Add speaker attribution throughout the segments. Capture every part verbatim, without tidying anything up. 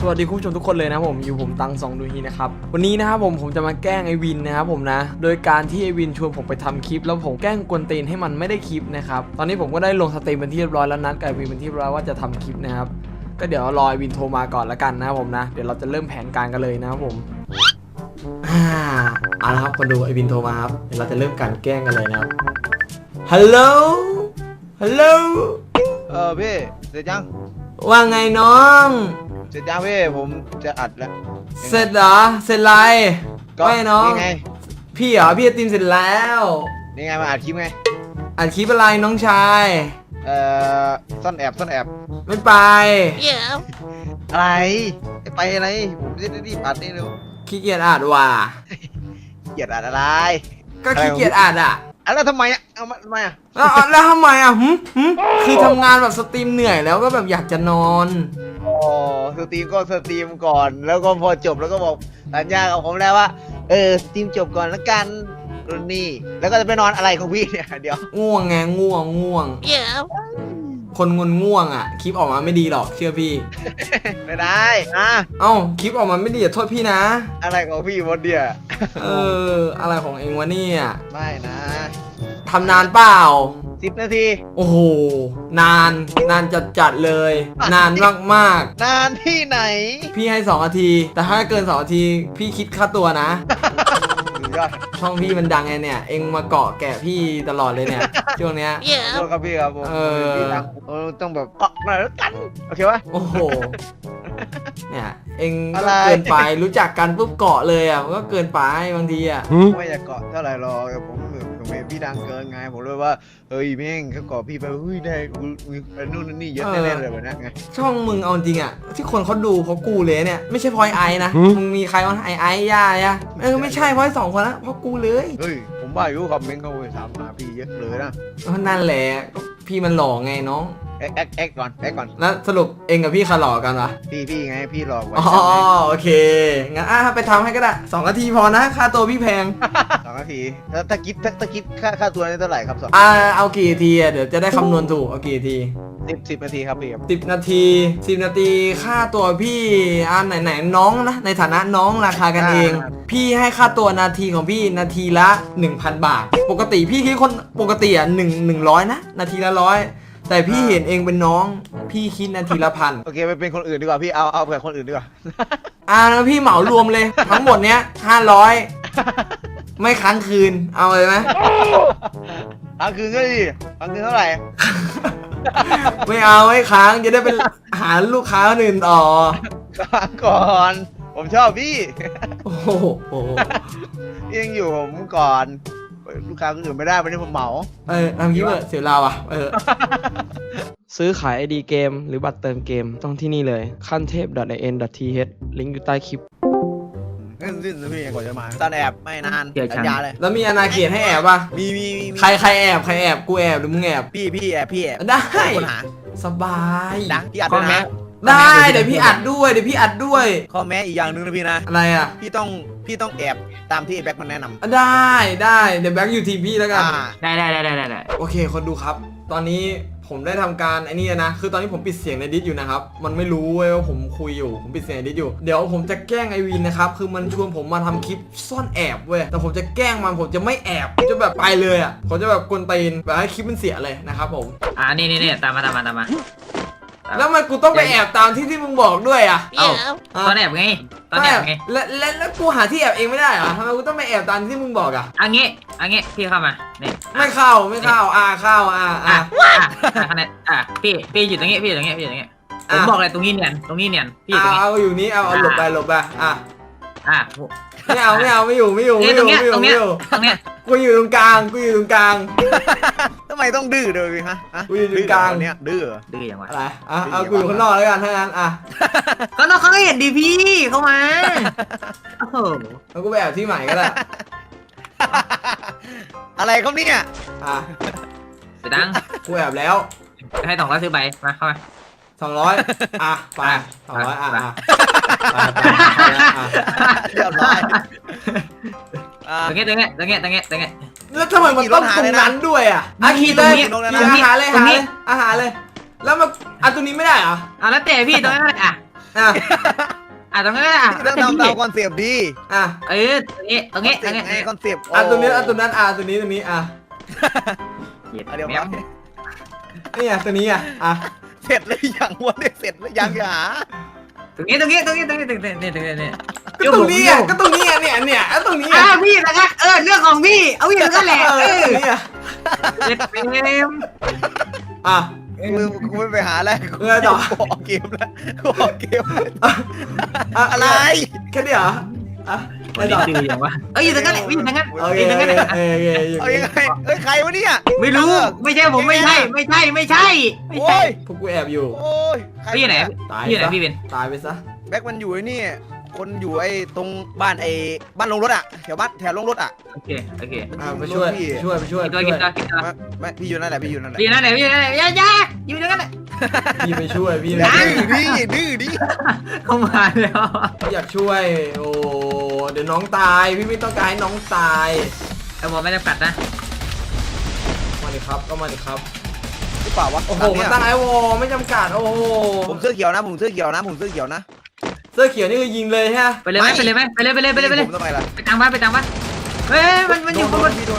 Speaker 1: สวัสดีคุณผู้ชมทุกคนเลยนะผมอยู่ผมตังสองดูฮีนะครับวันนี้นะครับผมผมจะมาแกล้งไอวินนะครับผมนะโดยการที่ไอวินชวนผมไปทำคลิปแล้วผมแกล้งกวนตีนให้มันไม่ได้คลิปนะครับตอนนี้ผมก็ได้ลงสตรีมเป็นที่เรียบร้อยแล้วนัดกับไอวินเป็นที่เรียบร้อยว่าจะทำคลิปนะครับก็เดี๋ยวรอไอวินโทรมาก่อนละกันนะครับผมนะเดี๋ยวเราจะเริ่มแผนการกันเลยนะครับผมอ่าเอาละครับคนดูไอวินโทรมาครับเดี๋ยวเราจะเริ่มการแกล้งกันเลยนะครับฮัลโหลฮัลโหล
Speaker 2: เออพี่เสร็จยัง
Speaker 1: ว่าไงน้อง
Speaker 2: เสร็จยังพี่ผมจะอัดแล้ว
Speaker 1: เสร็จเหรอเสร็จไรไม่น้อง
Speaker 2: นี่ไง
Speaker 1: พี่เหรอพี่จะตีมเสร็จแล้ว
Speaker 2: นี่ไงมาอัดคลิปไง
Speaker 1: อัดคลิปอะไรน้องชาย
Speaker 2: เอ่อซ่อนแอบซ่อนแอบ
Speaker 1: ไม่ไป
Speaker 2: อะไรไปอะไรผมจะได้รีบอัดนี่เร็ว
Speaker 1: ขี้เกียจอัดว่ะ
Speaker 2: เกลียดอัดอะไร
Speaker 1: ก็ขี้เกียจอัดอ่ะ
Speaker 2: อัดแล้วทำไมอ่ะเอามาทำไมอ่ะ
Speaker 1: แล้วแล้วทำไมอ่ะหึหึคือทำงานแบบสตรีมเหนื่อยแล้วก็แบบอยากจะนอน
Speaker 2: อ๋อสตรีมก็สตรีมก่อน แล้วก็พอจบแล้วก็บอกสัญญากับผมแล้วว่าเออสตรีมจบก่อนแล้วกันรุ่นนี้แล้วก็จะไปนอนอะไรของพี่เนี่ยเดี๋ยว
Speaker 1: ง่วงไงง่วงง่วงคนงนง่วงอ่ะคลิปออกมาไม่ดีหรอกเชื่อพี่
Speaker 2: ไม่ได้อ่ะ
Speaker 1: เอ้าคลิปออกมาไม่ดีอย่าโทษพี่นะ
Speaker 2: อะไรของพี่วันเดีย
Speaker 1: เอออะไรของเองวะเนี่ย
Speaker 2: ไม่นะ
Speaker 1: ทำนานเปล่า
Speaker 2: สิบนาที
Speaker 1: โอ้โหนานนานจัดจัดๆเลย นานมากมาก
Speaker 2: นานที่ไหน
Speaker 1: ๆพี่ให้สองนาทีแต่ถ้าเกินสองนาทีพี่คิดค่าตัวนะ
Speaker 2: สุดยอด
Speaker 1: ช่องพี่มันดังไงเนี่ย เอ็งมาเกาะแกะพี่ตลอดเลยเนี่ย ช่วงเนี้ย
Speaker 2: โทษครับพี่ครับผม
Speaker 1: เออ
Speaker 2: พี่รักเออต้องแบบเกาะหน่อยแล้วกันโอเคปะ
Speaker 1: โอ้โห เนี่ย เอ็ง
Speaker 2: อะ
Speaker 1: ก็
Speaker 2: ไร
Speaker 1: เกินไปรู้จักกันปุ๊บเกาะเลยอ่ะมันก็เกินไปบางทีอ่ะ
Speaker 2: ไม่อยากเกาะเท่าไหร่หรอกแต่ผมผมเห็นพี่ดังเกินไงผมเลยว่าเฮ้ยแม่งเขาเกาะพี่ไปเฮ้ยได้กูมีนู่นนี่เยอะแน่ๆเลยแบบนั้นไง
Speaker 1: ช่องมึงเอาจริงอ่ะ ที่คนเขาดูเพราะกูเลยเนี่ย ไม่ใช่พลอยไอนะ มึงมีใครวะไอไอย่าอ่ะเออไม่ใช่เพราะไอ้สองคนนะเพราะกูเลย
Speaker 2: เฮ้ยผมว่าอยู่คอมเมนต์เขาไปถามหาพี่เยอะเลยนะ
Speaker 1: เออนั่นแหละพี่มันหล่อไงน้อง
Speaker 2: เอ็กเอ็กเอ็กก่อนเอ็กก่อน
Speaker 1: แล้วสรุปเอ็งกับพี่ใครหล่อกันวะ
Speaker 2: พี่พี่ไงพี่หลอกไว้
Speaker 1: อ๋อโอเค งั้นอ่ะไปทำให้ก็ได้สองนาทีพอนะ ค่าตัวพี่แพง
Speaker 2: สองนาทีถ้าถ้าคิดถ้าถ้าคิดค่าค่าตัวนี่เท่าไหร่ครับสอง
Speaker 1: อ่าเอากี่นาทีอ่ะเดี๋ยวจะได้คำนวณถูก เอากี่นาที
Speaker 2: สิบสิบนาทีครับพี่ครับ
Speaker 1: สิบนาทีสิบนาทีค่าตัวพี่อ่าไหนไหนน้องนะ ในฐานะน้องราคากันเอง พี่ให้ค่าตัวนาทีของพี่นาทีละ หนึ่งพัน บาท ปกติพี่คิดคนปกติอ่ะหนึ่งหนึ่งร้อยนะ นาทีละร้อยแต่พี่เห็นเองเป็นน้อง พี่คิดนาทีละพัน
Speaker 2: โอเคไปเป็นคนอื่นดีกว่าพี่เอาเอาแบบคนอื่นดีกว่า
Speaker 1: อ่าแล้วพี่เหมารวมเลย ทั้งหมดเนี้ยห้าร้อยไม่ค้างคืนเอาเลยไหม
Speaker 2: ค้างคืนก็ดีค้างคืนเท่าไหร่
Speaker 1: ไม่เอาไม่ค้างจะได้เป็นหาลูกค้าคนอื่นต่อ
Speaker 2: ค้างก่อน ผมชอบพี่
Speaker 1: โอ้โห
Speaker 2: พี่ยังอยู่ผมก่อนลูกค้าคนอื่นไม่ได้วันนี้ผมเหมา
Speaker 1: เออทำคลิปเถอะเสียเราอ่ะเออซื้อขาย ไอ ดี เกมหรือบัตรเติมเกมต้องที่นี่เลยขั้นเทพ .in.th ลิงก์อยู่ใต้คลิป
Speaker 2: ขึ้นสิ้นพี่กว่าจะมาตอนแอบไม่นาน
Speaker 3: เดี๋ยวฉัน
Speaker 2: สัญญาเลย
Speaker 1: แล้วมีอนาเขตให้แอบป่ะ
Speaker 2: มีมีมี
Speaker 1: ใครใครแอบใครแอบกูแอบหรือมึงแอบ
Speaker 2: พี่พี่แอบพี่แอบ
Speaker 1: ได้
Speaker 2: คนหา
Speaker 1: สบาย
Speaker 2: ดังพี่อัด
Speaker 3: ข้อ
Speaker 2: ด้วย
Speaker 3: แม้
Speaker 2: นะ
Speaker 1: ได้เดี๋ยวพี่อัดด้วยเดี๋ยวพี่อัดด้วย
Speaker 2: ข้อแม้อีกอย่างหนึ่งนะพี่นะ
Speaker 1: อะไรอ่ะ
Speaker 2: พี่ต้องพี่ต้องแอบตามที่ไอ้แบ็คมันแนะนำ
Speaker 1: ได้ได้เดี๋ยวแบ็คอยู่ทีมพี่แล้วกัน
Speaker 2: อ่า
Speaker 3: ได้ได้ได้ได้ได้
Speaker 1: โอเคคนดูครับ ตอนนี้ผมได้ทำการไอ้นี่นะคือตอนนี้ผมปิดเสียงในดิสอยู่นะครับมันไม่รู้เว้ยว่าผมคุยอยู่ผมปิดเสียงในดิสอยู่เดี๋ยวผมจะแกล้งไอวินนะครับคือมันชวนผมมาทำคลิปซ่อนแอบเว้ยแต่ผมจะแกล้งมันผมจะไม่แอบจะแบบไปเลยอ่ะผมจะแบบกวนตีนแบบให้คลิปมันเสียเลยนะครับผม
Speaker 3: อ่านี่นี่นี่ตามมาตามมาตามมา
Speaker 1: แล้วมันกูต้องไปแอบตามที่ที่มึงบอกด้วยอ่ะ
Speaker 3: เอ้าตอนแอบไงตอนแอบไง
Speaker 1: แล้วแล้วแล้วกูหาที่แอบเองไม่ได้เหรอทำไมกูต้องไปแอบตามที่มึงบอกอ่ะ
Speaker 3: อันงี้อันงี้พี่เข้ามาเนี่ย
Speaker 1: ไม่เข้าไม่เข้าอ่าเข้าอ่า
Speaker 3: อ่ะ
Speaker 1: อ่า
Speaker 3: อ่ะอ่ะคะแนนอ่ะพี่พี่อยู่ตรงนี้พี่อยู่ตรงนี้พี่อยู่ตรงนี้ผมบอกเลยตรงนี้เนียนตรงนี้เนียนพี่อยู่ตรง
Speaker 1: เอา
Speaker 3: นี้
Speaker 1: เอาอยู่นี้เอาเอาหลบไปหลบไปอ่ะ
Speaker 3: อ่ะ
Speaker 1: ไม่เอาไม่เอาไม่อยู่ไม่อยู่
Speaker 3: เนี่
Speaker 1: ไม่
Speaker 3: ย
Speaker 1: อ
Speaker 3: ตร
Speaker 1: ยู่
Speaker 3: งเนี้ย
Speaker 1: ไม่อ
Speaker 3: ตร
Speaker 1: ยู่
Speaker 3: ง
Speaker 1: ไม่
Speaker 3: เนี้ย
Speaker 1: อยู่
Speaker 3: ตรงเนี้ย
Speaker 1: กูอยู่ตรงกลางกูอยู่ตรงกลาง
Speaker 2: ทำไมต้องดื้อด้วยพี่ฮะฮะ
Speaker 1: กูอยู่ตรงกลาง
Speaker 2: ดื้อเหรอเนี่ยดื้อเหรอ
Speaker 3: ดื้ออย่างวะ
Speaker 1: อะไรอ่ะเอากูอยู่ข้างนอกแล้วกันถ้างั้นอ่ะ
Speaker 3: ก็น้องเขาเห็นดีพี่เข้ามาโอ้โห
Speaker 1: แล้วกูไปแอบที่ใหม่ก็ได้
Speaker 2: อะไรครับเนี่ย
Speaker 1: อ่ะ
Speaker 3: เสียดัง
Speaker 1: กูแอบแล้ว
Speaker 3: ให้สองร้อยซื้อใบมาเข้ามา
Speaker 1: สองร้อยอ่ะไป
Speaker 3: อ่ะ
Speaker 1: สองร้อยอ่ะ
Speaker 3: ไป
Speaker 1: อ่ะไปไปไปอ่ะ
Speaker 2: เรียบร้อยอ่า
Speaker 3: ตรงนี้ตรงนี้ตรงนี้ตรงนี้ตรงนี้
Speaker 1: แล้วทำไมมันต้องตรงนั้นด้วยอ่ะอ่ะ
Speaker 3: ขี่
Speaker 1: ขี่เลย
Speaker 3: ตรงนี้
Speaker 1: ขี่
Speaker 3: ตรงนี้
Speaker 1: อาหารเลย
Speaker 3: ตร
Speaker 1: หาง
Speaker 3: นี้
Speaker 1: เลยอาหารเลย แล้วมาอ่ะตรงนี้ไม่ได้เหรอ
Speaker 3: อ่ะแล้วแต่พี่ตรงนี้นแหละอ่ะ
Speaker 1: อ่ะ
Speaker 3: อ่ะตรงนั้นอ่ะ
Speaker 2: ต้องทำตามคอนเซปต์ดี
Speaker 1: อ่ะ
Speaker 3: เออตรงนี้ตรงนี้ตรงนี้
Speaker 2: ไงคอนเซปต์
Speaker 1: อ่ะตรงนี้อ่ะตรงนั้นอ่ะตรงนี้ตรงนี้อ่ะ
Speaker 3: เดี๋
Speaker 2: เดี๋ยว
Speaker 3: ยว
Speaker 2: มา
Speaker 1: นี่อ่ะตรงนี้อ่ะอ่ะ
Speaker 2: เสร็จเลยยังวะเนี่ยเสร็จเลยยังอย่า
Speaker 3: ตรงนี้ตรงนี้ตรงนี้ตรงนี้ตรงนี้ตรงนี้ตรงนี้
Speaker 1: ก็ตรงนี้อ่ะก็ตรงนี้อ่ะเนี่ยเนี่ยอ่ะตรงนี้
Speaker 3: อ่ะ
Speaker 1: อ่ะ
Speaker 3: พี่นะครับเออเรื่องของพี่เอาพี่นั่นแหละ
Speaker 1: เอ
Speaker 3: เอ
Speaker 1: อ
Speaker 3: อ
Speaker 1: ตรงนี้อ่ะ
Speaker 3: เจ็ดเฟรม
Speaker 1: อ่ะ
Speaker 2: กูกูไม่ไปหาแล้วกู
Speaker 1: เออต่อ
Speaker 2: กูออกเกมแล้วกูออกเกมแล้ว
Speaker 1: อ่ะ
Speaker 2: อะไร
Speaker 1: แค่นี้เหรออ่ะ
Speaker 3: วันนี้ดื้ออย่างวะเอออยู่ตรงนั้นแหละอยู่ตรงนั้น
Speaker 1: โอเค
Speaker 3: อยู่ตรงนั้นแหละ
Speaker 1: เออเออ
Speaker 2: เอายังไงเอ้ยใครวะเนี่ย
Speaker 3: ไม่รู้ไม่ใช่ผมไม่ใช่ไม่ใช่ไม่ใช่ไม่
Speaker 2: โอ้
Speaker 3: ใช่
Speaker 2: ย
Speaker 1: พวกกูแอบอยู่
Speaker 2: โอ้ยใคร
Speaker 3: พี่อยู่ไหน
Speaker 1: ตาย
Speaker 3: พี่อยู่ไหน
Speaker 1: ซะ
Speaker 3: พี่เป็น
Speaker 1: ตายไปซะ
Speaker 2: แบ็คมันอยู่ไอ้นี่คนอยู่ไอ้ตรงบ้านไอ้บ้านลงรถอ่ะแถวบ้านแถวลงรถอ่ะ
Speaker 3: โอเคโอเค
Speaker 1: อ่ะไปช่วยไปช่วยไปช่วย
Speaker 3: กิน
Speaker 1: ไป
Speaker 3: ตัว
Speaker 1: ช่
Speaker 3: กิน
Speaker 1: วย
Speaker 3: ตัวกินตัว
Speaker 2: ไม่ไม่พี่อยู่นั่นแหละพี่อยู่นั่นแหละ
Speaker 3: พี่นั่นไหนพี่นั่นไหนยายาอยู่ตรงนั้นแหละ
Speaker 1: พี่ไปช่วยพี่ไป
Speaker 2: ดื้
Speaker 1: ช่วย
Speaker 2: อดิดื้อดิ
Speaker 3: เข้ามาแล้ว
Speaker 1: อยากช่วยโอ้เดี๋ยวน้องตายพี่ไม่ต้องการให้น้องตาย
Speaker 3: แต่ผมไม่จำกัดนะ
Speaker 1: มาดิครับก็มาดิครับ
Speaker 2: หรือเปล่าวะ
Speaker 1: โอ้โห
Speaker 2: ตาม
Speaker 1: มัน
Speaker 2: เนี้ย
Speaker 1: ตั้งไอวอลไม่จำกัดโอ้โห
Speaker 2: ผมเสื้อเขียวนะผมเสื้อเขียวนะผมเสื้อเขียวนะ
Speaker 1: เสื้อเขียวนี่คือยิงเลยใช่ไหม
Speaker 3: ไปเลยไหมไปเลยไหมไปเลยไปเลยไปเลยไปเลย
Speaker 2: ผมทำไมล่ะ
Speaker 3: ไปทางบ้านไปทางบ้านเฮ้ยมันมันอยู่
Speaker 2: โด
Speaker 3: ข้างบ
Speaker 2: น
Speaker 3: น
Speaker 2: พี่โดน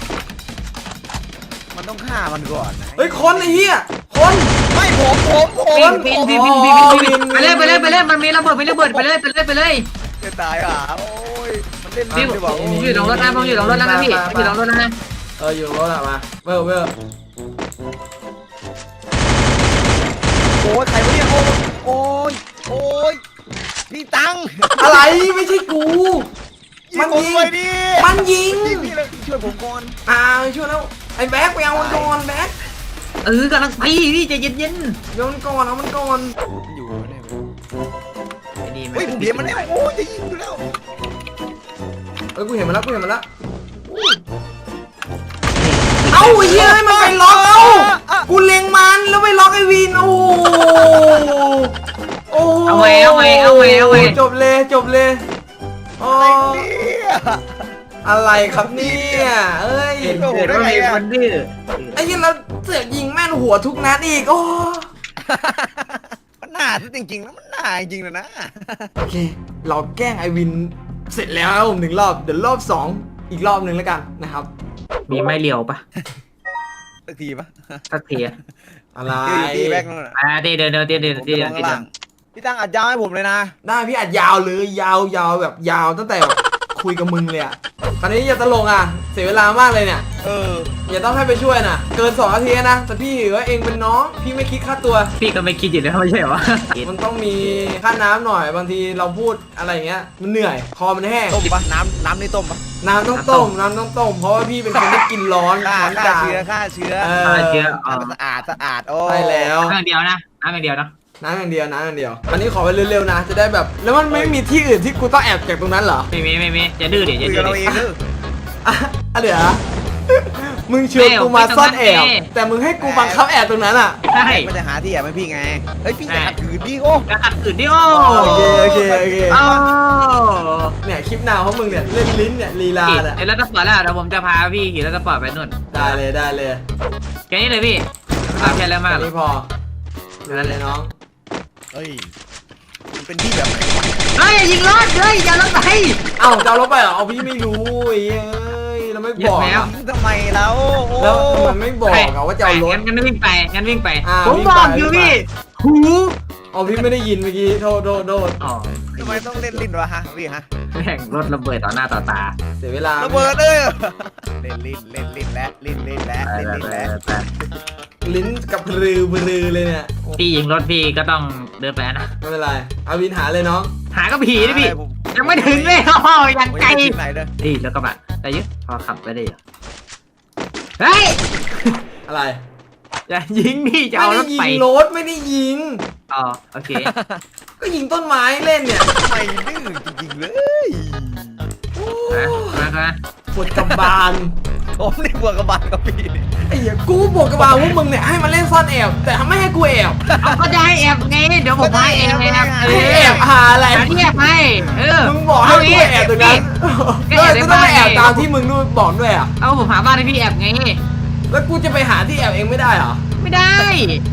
Speaker 2: มันต้องฆ่ามันก่อนนะ
Speaker 1: เฮ้ยคนไอ้เหี้ยคน
Speaker 2: ไม่ผมผมผม
Speaker 3: ปีนปีนปีนปีนปีนปีนไปเลยไปเลยไปเลยมันมีระเบิดมีระเบิดไปเลยไปเลยไปเลย
Speaker 2: จะตายอ่ะโอ้ยมันเล่น
Speaker 3: พี่
Speaker 2: ลิ้นดีกว่า
Speaker 3: ผมอยู่ตรงรถนะผมอยู่ตรงรถแล้วนะพี่อยู่ตรงรถแล้วนะ
Speaker 1: เอออยู่รถอะมาเวอร์เวอร์
Speaker 2: โอ้ยใครวะเนี่ยโอ้ยโอ้ยโอ้ยพี่ตัง
Speaker 1: อะไรไม่ใช่กู มันยิง
Speaker 2: ผมไปดิ
Speaker 1: มันยิง
Speaker 2: พี่พี่เลยช่วยผมก่อน
Speaker 1: อ่าช่วยแล้วไอ้แบ็คไปเอามันก่อนแบ็ค
Speaker 3: เออกำลังไปพี่ใจเย็นเย็น
Speaker 1: เดี๋ยวมันก่อนเอามันก่อน
Speaker 2: อยู่เนี่ย
Speaker 3: ไอ้นี่
Speaker 2: เฮ้ยผมเห็นมันแล้วโอ้ยจะยิงอยู่แล้ว
Speaker 1: เอ้ยกูเห็นมันแล้วกูเห็นมันแล้วเอ้าไอ้เหี้ยให้มันไปล็อกเอ้ากูเล็งมันแล้วไปล็อกไอ้วินโอ้โหโอ้โห
Speaker 3: เอาไว้เอาไว้เอาไว้เอาไว้
Speaker 1: จบเลยจบเลยโอ้
Speaker 2: อะไรเนี่ย
Speaker 1: อะไรครับเนี่ยเอ้ย
Speaker 3: เห็นเกิดว่ามีคนดื้อ
Speaker 1: ไอ้เหี้ยแล้วเสือกยิงแม่นหัวทุกนัดอีกโอ้
Speaker 2: มันหน้าซะจริงๆแล้วมันหน้าจริงๆเลยนะ
Speaker 1: โอเค เราแกล้งไอวินเสร็จแล้วครับผมหนึ่งรอบเดี๋ยวรอบสองอีกรอบหนึ่งแล้วกันนะครับ
Speaker 3: มีไม่เลียวปะ
Speaker 2: สักทีปะ
Speaker 3: สักทีอะ
Speaker 1: อะไร
Speaker 2: ตีแบ็คนู่นน่ะ
Speaker 3: อ่าเดี๋ยวเดี๋ยวเดี๋ยวเดี๋ยวเดี๋ยว
Speaker 2: ผม
Speaker 3: เดี๋
Speaker 2: จะ
Speaker 3: ยว
Speaker 2: ลง
Speaker 3: เดี๋
Speaker 2: ข้าง
Speaker 3: ยว
Speaker 2: ล่างพี่ตั้งอัดยาวให้ผมเลยนะ
Speaker 1: ได้พี่อัดยาวเลยยาวยาวแบบยาวตั้งแต่คุยกับมึงเลยอ่ะตอนนี้อย่าตลกอ่ะเสียเวลามากเลยเนี่ย
Speaker 2: เออ
Speaker 1: อย่าต้องให้ไปช่วยนะเกินสองนาทีนะแต่พี่ถือว่าเองเป็นน้องพี่ไม่คิดค่าตัว
Speaker 3: พี่ก็ไม่คิดอยู่แล้วไม่ใช่เหรอวะ
Speaker 1: มันต้องมีค่าน้ำหน่อยบางทีเราพูดอะไรอย่างเงี้ยมันเหนื่อยคอมันแห้ง
Speaker 2: ต้มปะน้ำน้ำนี่ต้มปะ
Speaker 1: น้ำต้องต้มน้ำต้องต้มเพราะว่าพี่เป็นคนที่กินร้อน
Speaker 2: ฆ่า
Speaker 1: ร้อน
Speaker 2: ฆ่า
Speaker 1: จัด
Speaker 2: เชื้อฆ่าเชื้อ
Speaker 1: เอ
Speaker 3: อ่า
Speaker 1: อ
Speaker 3: เจออ๋อ
Speaker 2: น้ำสะอาดสะอาดโอ้
Speaker 1: ใช่แล้ว
Speaker 3: น้ำอย่างเดียวนะน้ำอย่างเดียวนะ
Speaker 1: น้ำอย่างเดียวน้ำอย่างเดียวอันนี้ขอไปเร็วๆนะ จะได้แบบ แล้วมันไม่มีที่อื่นที่กูต้องแอบจากตรงนั้นเหรอ
Speaker 3: ไม่มีไม่มีจะดื้อเดี๋ยว
Speaker 2: คุ
Speaker 3: จะ
Speaker 2: ย
Speaker 3: ดื้
Speaker 2: กั
Speaker 3: อน
Speaker 2: เราเองเด้อ
Speaker 1: อ่ะอ่ะเดี๋ยวนะมึงชวนกูมาซ่อนแอบ แต่มึงให้กูบังคับแอบตรงนั้นอ่ะ
Speaker 3: ใช่
Speaker 2: มันจะหาที่แอบให้พี่ไงเฮ้ยพี่จะขัดขืนพี่โอ้
Speaker 3: กระขัดขืนดิโอ้
Speaker 1: โอเคโอเคโอเค
Speaker 3: โอ้
Speaker 1: เนี่ยคลิปนาวของมึงเนี่ยเล่นลิ้นเนี่ยลีลา
Speaker 3: ขี่
Speaker 1: เนี่ย
Speaker 3: เดี๋ยวรถสปอร์ตแล้วเดี๋ยวผมจะพาพี่ขี่รถสปอร์ตไปนู่น
Speaker 1: ได้เลยได้เลย
Speaker 3: แค่นี้เลยพี่ไม่ใช่แล้วมากหรอก
Speaker 1: นี่พอนั่นเลยน้อง
Speaker 2: เฮ้ยมันเป็นที่แบบไหนวะ
Speaker 3: เฮ้ยยิงรถเฮ้ยอย่ารถไป
Speaker 1: เอ้าจะเอารถไปเหรอเอาพี่ไม่รู้ไอ้เอ้ยเราไม่บอก
Speaker 3: เหยียบแมว
Speaker 1: อะ
Speaker 2: ทำไมแล้วโอ้
Speaker 1: แล้วทำไมไม่บอกอะว่าจะเอารถ
Speaker 3: งั้นงั้นวิ่งไปงั้นวิ่งไป
Speaker 1: อ่า
Speaker 3: ผม
Speaker 1: วิ่ง
Speaker 3: บ
Speaker 1: ไป
Speaker 3: อกอยู่
Speaker 1: วิ่งไป
Speaker 3: พี่หู
Speaker 1: เอาพี่ไม่ได้ยินเมื่อกี้โทษโทษโทษ
Speaker 3: อ๋อ
Speaker 2: ทำไมต้องเล่นลิ้นวะฮะพี่ฮะ
Speaker 3: แม่งรถระเบิดต่อหน้าต่อตา
Speaker 1: เสียเวลา
Speaker 2: ระเบิดเลยเล่นลิ้นเล่นลิ้นและลิ้นลิ้นและลิ้นลิ้นและ
Speaker 1: ลิ้นกับปรือปรือเลยเนี่ย
Speaker 3: พี่ยิงรถพี่ก็ต้องเดินไปนะ
Speaker 1: ไม่เป็นไรเอาวินหาเลยน้อง
Speaker 3: หาก็ผีดิพี่ยังไม่ถึงเลยโอ้โหยังไกล
Speaker 2: ไหนเด้อ
Speaker 3: นี่แล้วก็แบบได้เยอะพอขับไปได้เยอะเฮ้ย
Speaker 1: อะไร
Speaker 3: อย่ายิงดิจะ
Speaker 1: ไม่
Speaker 3: เอาร
Speaker 1: ได้
Speaker 3: ถ
Speaker 1: ยิ
Speaker 3: ไป
Speaker 1: งรถไม่ได้ยิง
Speaker 3: อ๋อโอเค
Speaker 1: ก็ยิงต้นไม้เล่นเนี่ย
Speaker 2: ทำไมดื้อจริงๆเลย
Speaker 3: นะมามา
Speaker 1: ปวดกระบาล
Speaker 2: ผมนี่บวกกับบานกับพี่
Speaker 1: ไอ้เหี้ยกูบวกกระบาลพวกมึงเนี่ยให้มาเล่นซ่อนแอบแต่ไม่ให้กูแอบ
Speaker 3: เอาก็จะให้แอบไงเดี๋ยวผมให้แอบแอบเอ
Speaker 1: ให้
Speaker 3: อ
Speaker 1: แอบหาอะไร
Speaker 3: หาที่แอบให้เออ
Speaker 1: มึงบอกให้กูแอบตรงนั้น
Speaker 3: ก็
Speaker 1: ก็
Speaker 3: แอบใน
Speaker 1: ก็ต้อง
Speaker 3: บ้าน
Speaker 1: ไปแอบตามที่มึงนู่นบอกด้วยอ่ะ
Speaker 3: เอาผมหาบ้านให้พี่แอบไง
Speaker 1: แล้วกูจะไปหาที่แอบเองไม่ได้เหรอ
Speaker 3: ไม่ได้
Speaker 1: ท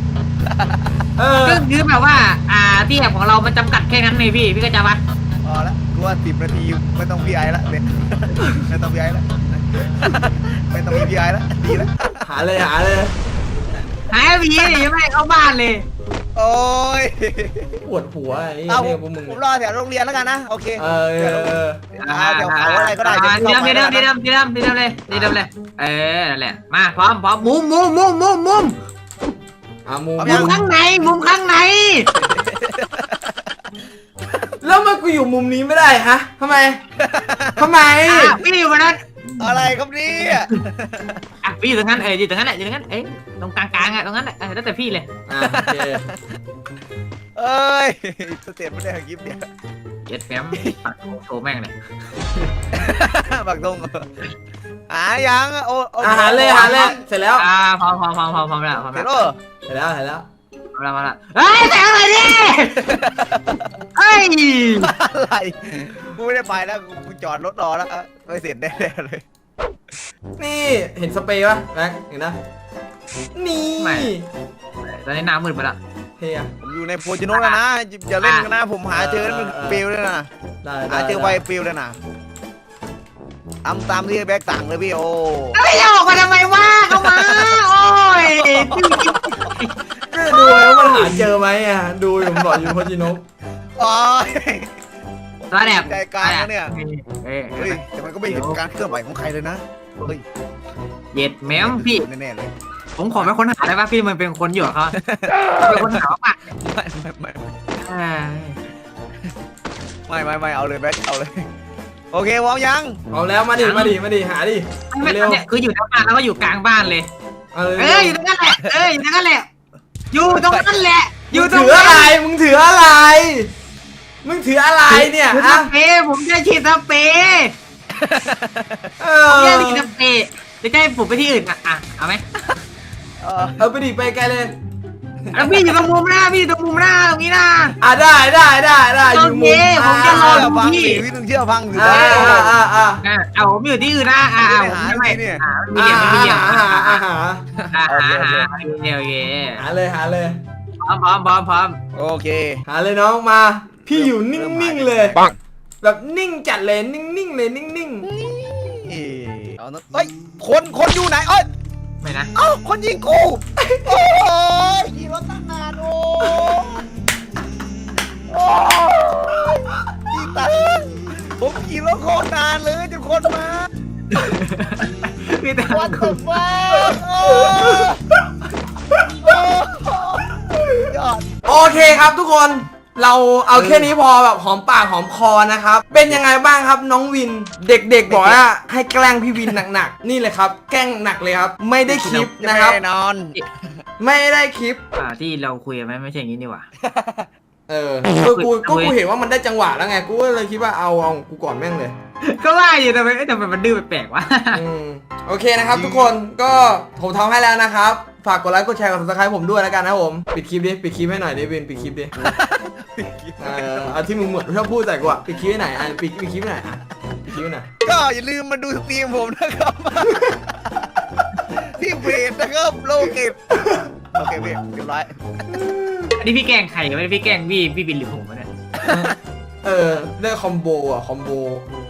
Speaker 1: เออ
Speaker 3: ก็คือแบบว่าอ่าที่แอบของเรามันจำกัดแค่นั้นเลยพี่พี่ก็จะวัด
Speaker 2: พอละกูว่าสิบนาทีไม่ต้องพีไอละเนี่ยไม่ต้องพีไอละไม่ต้องมีพีไอละดีแล้ว
Speaker 1: หาเลยหาเลย
Speaker 3: หายพี่ยังไม่เข้าบ้านเลย
Speaker 2: โอ้ย
Speaker 1: ปวดหัวไอ้
Speaker 2: เอา
Speaker 1: เนี่ยพวกมึง
Speaker 2: ผมรอแถวโรงเรียนแล้วกันนะโอเค
Speaker 1: เออเออเออ
Speaker 2: อ่าแถวเขาอะไรก็ได้
Speaker 3: อ่า
Speaker 2: ดี๋ยว
Speaker 3: ดี
Speaker 2: เข้า
Speaker 3: เดิม
Speaker 2: ไป
Speaker 3: ดีเดิมดีเดิมดีเดิมดีเดิมเลยดีเดิมเลยเออนั่นแหละมาพร้อมพร้อมมุมมุมมุมมุมมุม
Speaker 1: อ่ะมุม
Speaker 3: มุมข้างในมุมข้างใน
Speaker 1: แล้วมันกูอยู่มุมนี้ไม่ได้ฮะทำไมทำไม
Speaker 3: อ่ะพี่อยู่บนนั้น
Speaker 2: อะไรครับเนี่ย
Speaker 3: อ่ะพี่อยู่ตรงนั้นเอออยู่ตรงนั้นแหละอยู่ตรงนั้นเอ้ยตรงกลางกลางอ่ะตรงนั้นแหละเออแล้วแต่พี่เลย
Speaker 1: อ่ะโอเค
Speaker 2: เอ้ยสเตตไม่ได้กิฟต์เนี่ย
Speaker 3: เจ็ดแฟมปัดโชว์แม่งเลย
Speaker 2: บักตรงอ่ายังโอ้โอ้
Speaker 1: อาหารเลยอาหารเลยเสร็จแล้ว
Speaker 3: อ่าพร้อมพร้อมพร้อมพร้อมพร้อมแล้วพร้อม
Speaker 2: เสร็
Speaker 3: แล้
Speaker 2: จ
Speaker 3: ว
Speaker 2: แล้ว
Speaker 1: เสร็จแล้วเสร็จแล้ว
Speaker 3: พร้อมแล้วพร้อมแล้วเฮ้ยแต่อะไรดิเฮ้ย
Speaker 2: อะไรกูไม่ได้ไปแล้วกูจอดรถรอแล้วไม่เสร็จแน่เลย
Speaker 1: นี่เห็นสเปรย์ปะแม็กเห็นนะนี่
Speaker 3: ตอนนี้น้ำมืดไปละ
Speaker 1: เฮีย
Speaker 2: ผมอยู่ในโพจิโนะแล้วนะอย่าเล่นกันนะผมหาเจอมันปิวเลยนะ
Speaker 1: ได้
Speaker 2: หาเจอไวปิวเลยนะทำตามที่แบ็กต่างเลยพี่โอ้
Speaker 3: ไม่ออกมาทำไมวะเข้ามาโอ้ย
Speaker 1: ก็ดูว่ามันหาเจอไหมอ่ะดูอยู่ผมบอกอยู่พจินก
Speaker 2: โอ้ย
Speaker 3: ตัวแดบ
Speaker 2: ใจกลางนะเนี่ย
Speaker 3: เฮ้ย
Speaker 2: เฮ้ยแต่มันก็ไม่เห็นการเคลื่อนไหวของใครเลยนะเฮ้ย
Speaker 3: เย็ดแมวพี่
Speaker 2: แน่ๆเลย
Speaker 3: ผมขอเป็นคนหาได้ป่ะพี่มันเป็นคนอยู่กับเขาเป็นคนหาป่ะ
Speaker 2: ไม่ไม่ไม่ไม่ไม่ไม่เอาเลยแบ็คเอาเลยโอเควอมยัง
Speaker 1: เอาแล้วมาดิมาดิมาดิหาดิ
Speaker 3: ไม่
Speaker 1: เร็ว
Speaker 3: เนี่ยคืออยู่หน้าบ้านแล้วก็อยู่กลางบ้านเลย
Speaker 1: เออ
Speaker 3: เอออยู่ตรงนั้นแหละเอออยู่ตรงนั้นแหละอยู่ตรงนั้นแหละอยู่ตรง
Speaker 1: ถืออะไรมึงถืออะไรมึงถืออะไรเนี่ย
Speaker 3: ผม
Speaker 1: อ่ะ
Speaker 3: สเปรย์ผมจะฉีดสเปรย์
Speaker 1: เอ
Speaker 3: ผม
Speaker 1: อ
Speaker 3: จะฉีดสเปรย์จะให้ผมไปที่อื่นอ่ะอ่ะเอาไหม
Speaker 2: เออ
Speaker 1: เอาไปดิไปไกลเลย
Speaker 3: แล้วพี่อยู่ตรงมุมหน้าพี่อยู่ตรงมุมหน้าตรงนี้นะ
Speaker 1: อ่ะได้ได้ได้ได้อยู่มุม
Speaker 3: โอเคผมจะรอ
Speaker 2: เชื่อฟังสิพี่ต้องเชื่อฟังสิ
Speaker 1: อ่าอ่าอ่าอ่า
Speaker 3: อ่ะเอาผมอยู่ที่อื่นนะอ่ะอ่ะผมไม่ไม่อ่ะมี
Speaker 1: อ่า
Speaker 3: เหลี่ยมไม่มีเหลี่ยม
Speaker 1: หา
Speaker 3: อ่ะ
Speaker 1: หาหา
Speaker 3: อ่ะหาหาโอเคโอเค
Speaker 1: หาเลยหาเลย
Speaker 3: พร้อมพร้อมพร้อมพร้อม
Speaker 2: โอเค
Speaker 1: หาเลยน้องมา พี่อยู่นิ่งๆเลย แบบนิ่งจัดเลยนิ่งๆเลยนิ่ง
Speaker 2: เอานะเฮ้ยคนคนอยู่ไหนเอ้ย
Speaker 3: ไม่นะ
Speaker 2: เอ้าคนยิงกูโอ้ยขี่รถตั้งนานโอ้โอ้ยยิงตายผมขี่รถโคตรนานเลยจนคนมา
Speaker 3: พี่ตา
Speaker 2: วันตกฟ้าโอ้โอ้ยอด
Speaker 1: ๆโอเคครับทุกคนเราเอาแค่นี้พอแบบหอมปากหอมคอนะครับเป็นยังไงบ้างครับน้องวิน เด็กๆบอกว่าให้แกล้งพี่วินหนักๆนี่เลยครับแกล้งหนักเลยครับไม่ได้คลิปนะครับ
Speaker 2: แน่นอน
Speaker 1: ไม่ได้คลิป
Speaker 3: อ่าที่เราคุยกันไหมไม่ใช่อย่างนี้นี่หว่า
Speaker 1: เออก็กูก็กูเห็นว่ามันได้จังหวะแล้วไงกูก็เลยคิดว่าเอาเอากูก่อนแม่งเลย
Speaker 3: ก็ว่าอยู่ทำไมเอ้ยทำไมมันดื้อแปลกๆวะ
Speaker 1: อืมโอเคนะครับทุกคนก็ผมทำให้แล้วนะครับฝากกดไลค์กดแชร์กด ซับสไครบ์ ผมด้วยแล้วกันนะครับผมปิดคลิปดิปิดคลิปให้หน่อยดิวินปิดคลิปดิเออเอาที่มึงหมดชอบพูดใส่กูอะปิดคลิปให้ไหนอยอ่ะปิดปิดคลิปให้ไหนอยอ่ะปิดคลิปให้ไหนอย
Speaker 2: ก็อย่าลืมมาดูสตรีมผมนะครับ ที่เพจนะครับโลเกตโอเคพี่เรียบร้อย
Speaker 3: อันนี้พี่แกล้งใครไม่ได้พี่แกล้งพี่พี่บินหรือผมวะเนี่ย
Speaker 1: เออได้คอมโบอ่ะคอมโบ